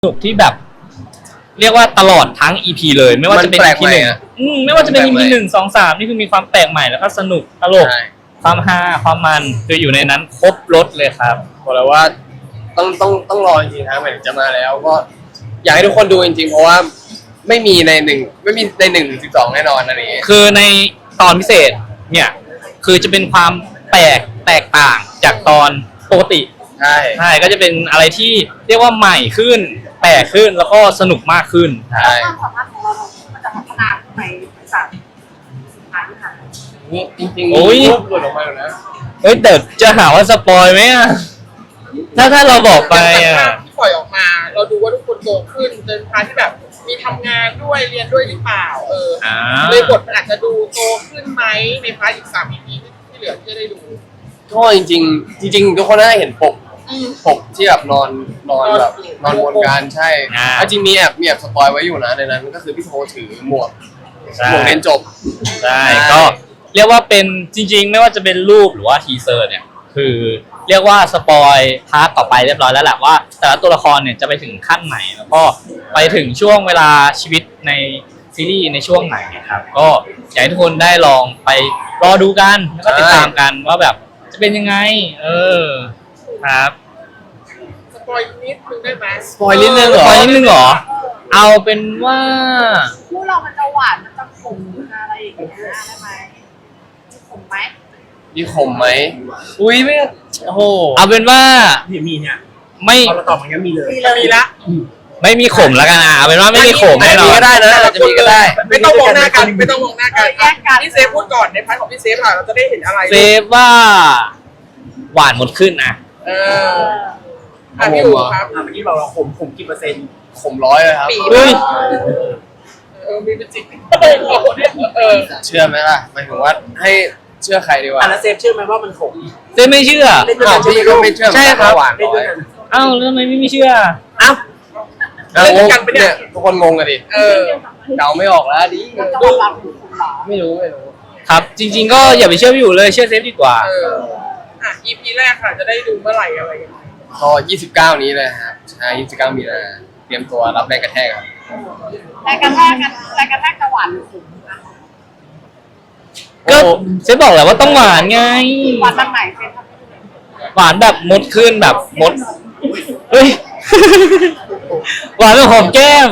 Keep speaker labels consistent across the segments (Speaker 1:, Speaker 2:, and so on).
Speaker 1: สนุกที่แบบเรียกว่าตลอดทั้ง EP เลยไม่ว่าจะเป็น EP หนึ่งไม่ว่าจะเป็น EP 1 2 3นี่คือมีความแปลกใหม่แล้วก็สนุกตลกความฮาความมันคืออยู่ในนั้นครบรสเลยครับ
Speaker 2: บอกเลยว่าต้องรอจริงๆนะหมายถึงจะมาแล้วก็อยากให้ทุกคนดูจริงๆเพราะว่าไม่มีใน1 12แน่นอนอันนี้
Speaker 1: คือในตอนพิเศษเนี่ยคือจะเป็นความแตกต่างจากตอนปกติใช่ก็จะเป็นอะไรที่เรียกว่าใหม่ขึ้นแปลกขึ้นแล้วก็สนุกมากขึ้น
Speaker 3: ใช่ความสามารถของเรามันจะพัฒนาในสามสุดท้ายที่ผ่าน
Speaker 2: นี่จริงๆโอ้ยหลุดออกมาแล้วนะ
Speaker 1: แต่จะหาว่าสปอยไหมอ่ะถ้าเราบอกไปอ่ะ
Speaker 4: ที่ปล่อยออกมาเราดูว่าทุกคนโตขึ้นจนพาที่แบบมีทำงานด้วยเรียนด้วยหรือเปล่าเลยบทมันอาจจะดูโตขึ้นไหมในพาร์ทอีก3 EPที่เหลือที่จะได้ดู
Speaker 2: ก็จริงทุกคนน่าจะเห็นปกที่แบบนอนแบบนอนวนกันใช่จริงมีแอบสปอยไว้อยู่นะในนั้นก็คือพี่โทถือหมวกเรียนจบ
Speaker 1: ใช่ก็เรียกว่าเป็นจริงๆไม่ว่าจะเป็นรูปหรือว่าทีเซอร์เนี่ยคือเรียกว่าสปอยพาร์ทต่อไปเรียบร้อยแล้วแหละว่าแต่ละตัวละครเนี่ยจะไปถึงขั้นไหนแล้วก็ไปถึงช่วงเวลาชีวิตในซีรีส์ในช่วงไหนครับก็อยากให้ทุกคนได้ลองไปรอดูกันแล้วก็ติดตามกันว่าแบบจะเป็นยังไงครับ
Speaker 4: สปอยนิดนึงได้ไหม
Speaker 2: สปอยนิดนึง
Speaker 1: เหรอเอาเป็นว่า
Speaker 3: คู่เรามันจะหวานมันจะขมอะไรอย่างเงี้ยได้ไหมขมไหม
Speaker 2: มีขมไหมอุ้ยไม่โอ้โห
Speaker 1: เอาเป็นว่า
Speaker 4: มีเนี่ย
Speaker 1: ไม่
Speaker 4: พอเราตอบมันก็มีเลยมีละ
Speaker 1: ไม่มีขมแล้วกันเอาเป็นว่าไม่มีขม
Speaker 2: แน่นอนก็ได้นะจะมีก็ได้
Speaker 4: ไม่ต้องมองหน้ากันพี่เซฟพูดก่อนในพาร์ทของพี่เซฟค่ะเราจะได้เห็นอะไร
Speaker 1: เซฟว่าหวานหมดขึ้นนะ
Speaker 4: พี่อู๋ครับเมื่อกี้บอกเราขมกี่เปอร์เซ็นต์
Speaker 2: ขม100เลยครับ
Speaker 4: มีเป็นจริง
Speaker 2: เชื่อไหมล่ะหมายถึงว่าให้เชื่อใครดีวะ
Speaker 4: แล้วเซฟเชื่อไหมว่ามันขม
Speaker 1: เซฟไม่เชื่อ
Speaker 2: พี่ก็ไม่เชื่อ
Speaker 1: ใช่ครับ
Speaker 2: หวาน
Speaker 1: เอ้าแล้วทำไมไม่เชื่อ
Speaker 4: เล่นกันไปเนี่ย
Speaker 2: ทุกคนงงกันดิเดาไม่ออกแล้วดิไม่รู้
Speaker 1: ครับจริงๆก็อย่าไปเชื่อพี่อยู่เลยเชื่อเซฟดีกว่า
Speaker 4: EP แรกค่ะจะได้ดูเมื่อไหร่อะไรอย่างเงี้ย
Speaker 2: ก็29นี้เลยครับใช่29มีนาเตรียมตัวรับแรงกระแทกครับ
Speaker 3: แรงกระแทกจะหวานหรือขมนะ
Speaker 1: ก็เซฟบอกแหละว่าต้องหวานไง
Speaker 3: หวานแบบไหนเซฟ
Speaker 1: หวานแบบมดขึ้นแบบมดเฮ้ยหวานแบบหอมแก้ม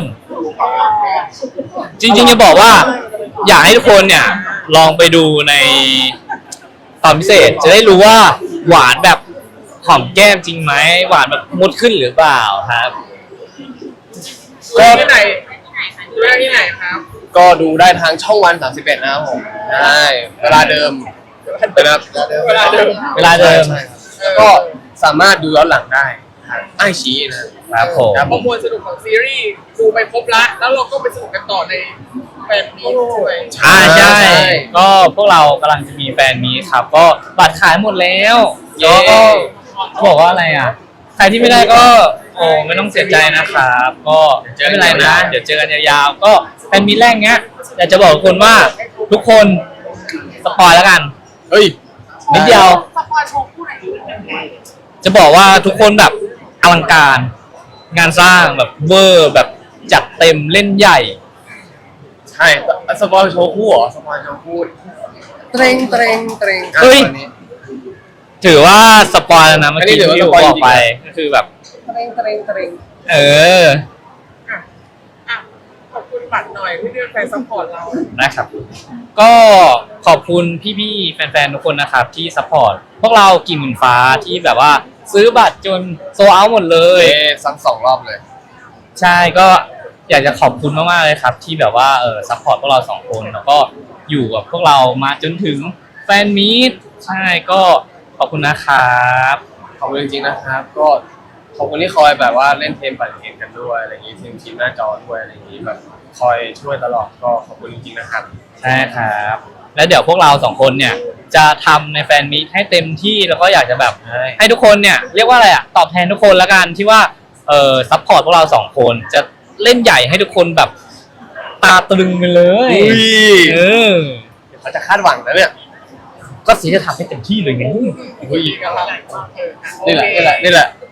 Speaker 1: จริงๆจะบอกว่าอยากให้ทุกคนเนี่ยลองไปดูในตอนพิเศษจะได้รู้ว่าหวานแบบหอมแก้มจริงไหมหวานแบบมดขึ้นหรือเปล่าครับ
Speaker 4: ก็ที่ไหนครับ
Speaker 2: ก็ดูได้ทางช่องวัน31นะครับผมใช่เวลาเดิมนะครับ
Speaker 4: เวลาเดิม
Speaker 2: แล้วก็สามารถดูย้อนหลังได้ไอชี้นะครับ
Speaker 1: ผม
Speaker 4: มวลสนุกของซีรีส์ดูไปครบแล้วเราก็ไปสนุกกันต่อในแฟนมีตด้วย
Speaker 1: ใช่ก็พวกเรากำลังจะมีแฟนมีตครับก็บัตรขายหมดแล้วก็บอกว่าอะไรอ่ะใครที่ไม่ได้ก็ไม่ต้องเสียใจนะครับก็ไม่เป็นไรนะเดี๋ยวเจอกันยาวๆก็แฟนมีตแรกเนี้ยอยากจะบอกทุกคนว่าทุกคนสปอยแล้วกันนิดเดียว
Speaker 3: สปอยโชว์คู่ไหน
Speaker 1: จะบอกว่าทุกคนแบบอลังการงานสร้างแบบเวอร์แบบจัดเต็มเล่นใหญ่
Speaker 2: ใช่สปอยโชว์คู่เหรอสปอยโชว์คู่เตรง
Speaker 1: เฮ้ยถือว่าสปอยแล้วนะเมื่อกี้ที่ผมบอกไปก็คือแบบ
Speaker 2: เตรง
Speaker 4: ขอบคุณบัตรหน่อยที่เลือกแฟนซัพพอร์ตเรา
Speaker 1: นะครับก็ขอบคุณพี่ๆแฟนๆทุกคนนะครับที่ซัพพอร์ตพวกเรากิ่งหมื่นฟ้าที่แบบว่าซื้อบัตรจนโซลด์เอาท์หมดเลย
Speaker 2: ซ้ำ2 รอบเลย
Speaker 1: ใช่ก็อยากจะขอบคุณมากๆเลยครับที่แบบว่าซัพพอร์ตพวกเรา2 คนแล้วก็อยู่กับพวกเรามาจนถึงแฟนมีตใช่ก็ขอบคุณนะครับ
Speaker 2: ขอบคุณจริงๆนะครับก็ขอบคุณที่คอยแบบว่าเล่นเทมปั่นเกมกันด้วยอะไรอย่างนี้ทีมหน้าจอด้วยอะไรอย่างนี้แบบคอยช่วยตลอดก็ขอบคุณจริงๆนะครับ
Speaker 1: ใช่ครับแล้วเดี๋ยวพวกเรา2 คนเนี่ยจะทำในแฟนมีตให้เต็มที่แล้วก็อยากจะแบบให้ทุกคนเนี่ยเรียกว่าอะไรอ่ะตอบแทนทุกคนละกันที่ว่าซัพพอร์ตพวกเรา2 คนจะเล่นใหญ่ให้ทุกคนแบบตาตรึงไปเลย
Speaker 2: เขาจะคาดหวังแล้วเนี่ย
Speaker 1: ก็สีจะทำให้เต็มที่เลยไง
Speaker 2: นี่แหละ